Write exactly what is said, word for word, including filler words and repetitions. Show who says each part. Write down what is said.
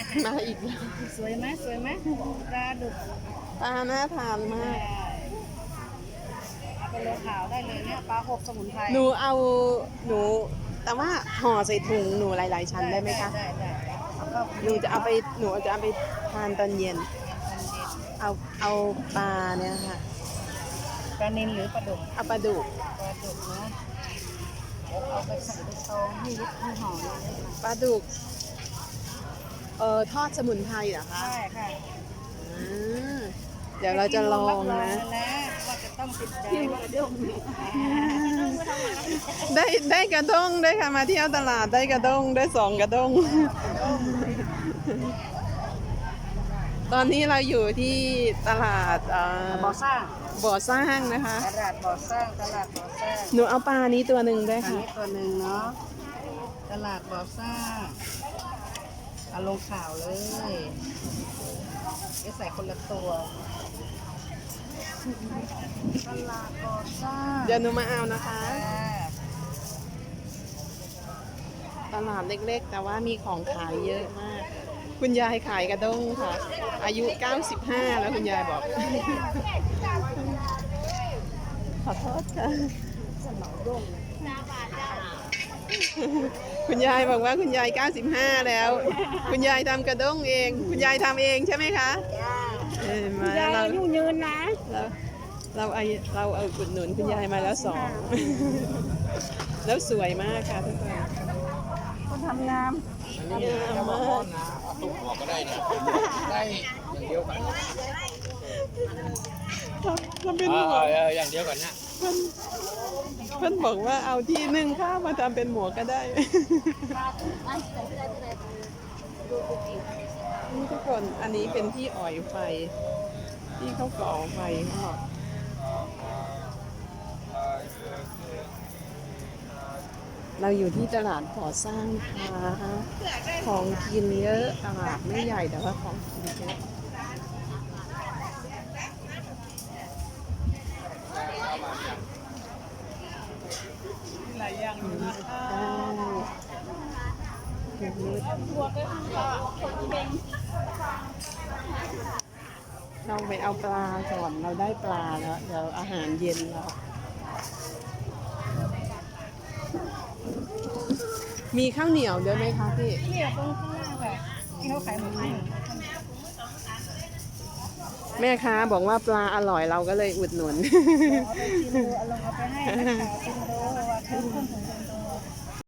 Speaker 1: มาอีกแล้ว
Speaker 2: สวยไหมสวยไหมปลาดุก
Speaker 1: ปลาน่าทานมาก
Speaker 2: เอาไปลงข่าวได้เลยเนี่ยปลาหกสมุนไพร
Speaker 1: หนูเอาหนู แต่ว่าห่อใส่ถุงหนูหลายๆชั้นได้ไหมคะ
Speaker 2: ได้ได้เอาเข้า
Speaker 1: หนูจะเอาไปหนูจะเอาไปทานตอนเย็น เอาเอาปลาเนี่ยค่ะ
Speaker 2: ปลานิลหรือปลาดุก
Speaker 1: เอาปลาดุก
Speaker 2: ปลาดุกนะเอาไปใส่ไปซองให้ยึดให้ห่อเลย
Speaker 1: ปลาดุก เอ่อทอดสมุนไพรเหรอคะ
Speaker 2: ใช่ค่ะ
Speaker 1: อ่าเดี๋ยวเราจะลองนะ
Speaker 2: ว่าจะต้องติดใจว่า
Speaker 1: ได้ได้กระด้งได้ค่ะมาเที่ยวตลาดได้กระด้งได้สองกระด้ง ตอนนี้เราอยู่ที่ตลาดเอ่อ
Speaker 2: บ่อสร้าง
Speaker 1: บ่อสร้างนะคะ
Speaker 2: ตลาดบ่อสร้างตลาดบ่อสร้าง
Speaker 1: หนูเอาปลานี้ตัวหนึ่งด้วย
Speaker 2: อัน
Speaker 1: ค่ะ
Speaker 2: นี้ตัวหนึ่งเนาะตลาดบ่อสร้างเอาลงข่าวเลยจะใส่คนละตัวตลาดบ่อสร้าง
Speaker 1: เดี๋ยวหนูมาเอานะคะ
Speaker 2: อ่า
Speaker 1: ตลาดเล็กๆ แต่ว่ามีของขายเยอะมาก คุณยายขายกระด้งค่ะ อายุเก้าสิบห้าแล้วคุณยายบอก ขอโทษค่ะ คุณยายบอกว่าคุณยายเก้าสิบห้าแล้ว คุณยายทำกระด้งเอง คุณยายทำเองใช่ไหมคะเออมา
Speaker 2: ยาย
Speaker 1: เรา
Speaker 2: อายุยืนนะ
Speaker 1: เราเราเอาเราเอาอุดหนุนคุณยายมาแล้วสอง แล้วสวยมากค่ะทุกคน
Speaker 2: คนทำงาม
Speaker 1: งามมาก
Speaker 3: ตุ้มหัวก็ได้นะได้อย่างเดียวกัน
Speaker 1: ทำเป็น
Speaker 3: เอ
Speaker 1: หมว
Speaker 3: อก เอออย่างเดียวกันนะ
Speaker 1: เพิ่นเพิ่นบอกว่าเอาที่นึ่งข้าวมาทำเป็นหมวกก็ได้ นี่ทุกคนอันนี้เป็นที่อ่อยไฟ ที่เขาก่อไฟเขาบอกเราอยู่ที่ตลาดก่อสร้างนะคะของกินเยอะตลาดไม่ใหญ่แต่ว่าของกินเยอะ
Speaker 2: หลายอย่างอยู่นะ
Speaker 1: เราไปเอาปลาก่อนเราได้ปลาแล้วเดี๋ยวอาหารเย็นเรามีข้าวเหนียวด้วยไหมคะพี่
Speaker 2: เนี่ยตรงข้างล่างค่ะที่เขาขายหมูปิ้ง
Speaker 1: แม่ค้าบอกว่าปลาอร่อยเราก็เลยอุดหนุน
Speaker 2: เอาไปชิมดูเอาลงเอาไปให้นักข่าวชิมดูว่าคือคนถึงคนดู